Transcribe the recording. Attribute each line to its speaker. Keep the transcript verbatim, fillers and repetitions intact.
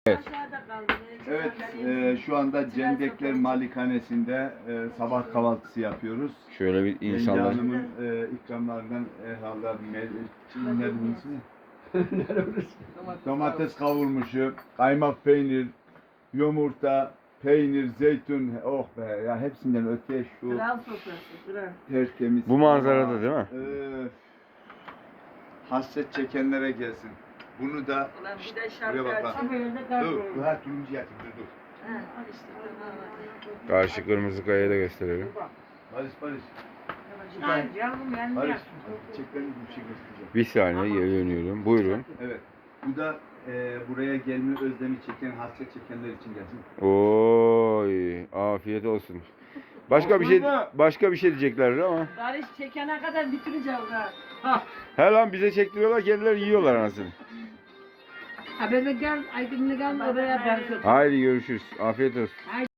Speaker 1: Evet.
Speaker 2: Evet, e, şu anda Cendekler Malikanesi'nde e, sabah kahvaltısı yapıyoruz.
Speaker 1: Şöyle bir
Speaker 2: Yenge
Speaker 1: insanlar.
Speaker 2: Hanım'ın e, ikramlarından herhalde Çinlilerin ismi. Domates kavurmuşu, kaymak peynir, yumurta, peynir, zeytin. Oh be ya, hepsinden öte şu
Speaker 3: Kral sofrası, kral.
Speaker 2: tertemiz.
Speaker 1: Bu manzarada değil mi?
Speaker 2: Öf. Hasret çekenlere gelsin. Bunu da
Speaker 3: Ulan bir de
Speaker 2: buraya bak
Speaker 3: şarkı
Speaker 2: bak.
Speaker 3: açsın. Böyle
Speaker 2: Dur,
Speaker 3: kalkıyor.
Speaker 2: dur, ha turuncu yatır, dur dur.
Speaker 3: He, al işte. tamam.
Speaker 1: Karşı kırmızı kayayı da gösterelim.
Speaker 2: Barış, Barış.
Speaker 3: Ay canım yani.
Speaker 2: Barış, çiçeklerini bir şey göstereceğim.
Speaker 1: Bir saniye geri dönüyorum. Buyurun.
Speaker 2: Evet, bu da e, buraya gelme özlemi çeken, hasret çekenler için gelsin.
Speaker 1: Oy, afiyet olsun. Başka bir şey başka bir şey diyeceklerdi ama.
Speaker 3: Barış çekene kadar bitireceğiz ha.
Speaker 1: He lan bize çektiriyorlar, kendileri yiyorlar anasını.
Speaker 3: Ha böyle gel, Aydın'la gel oraya dersin.
Speaker 1: Haydi görüşürüz. Afiyet olsun.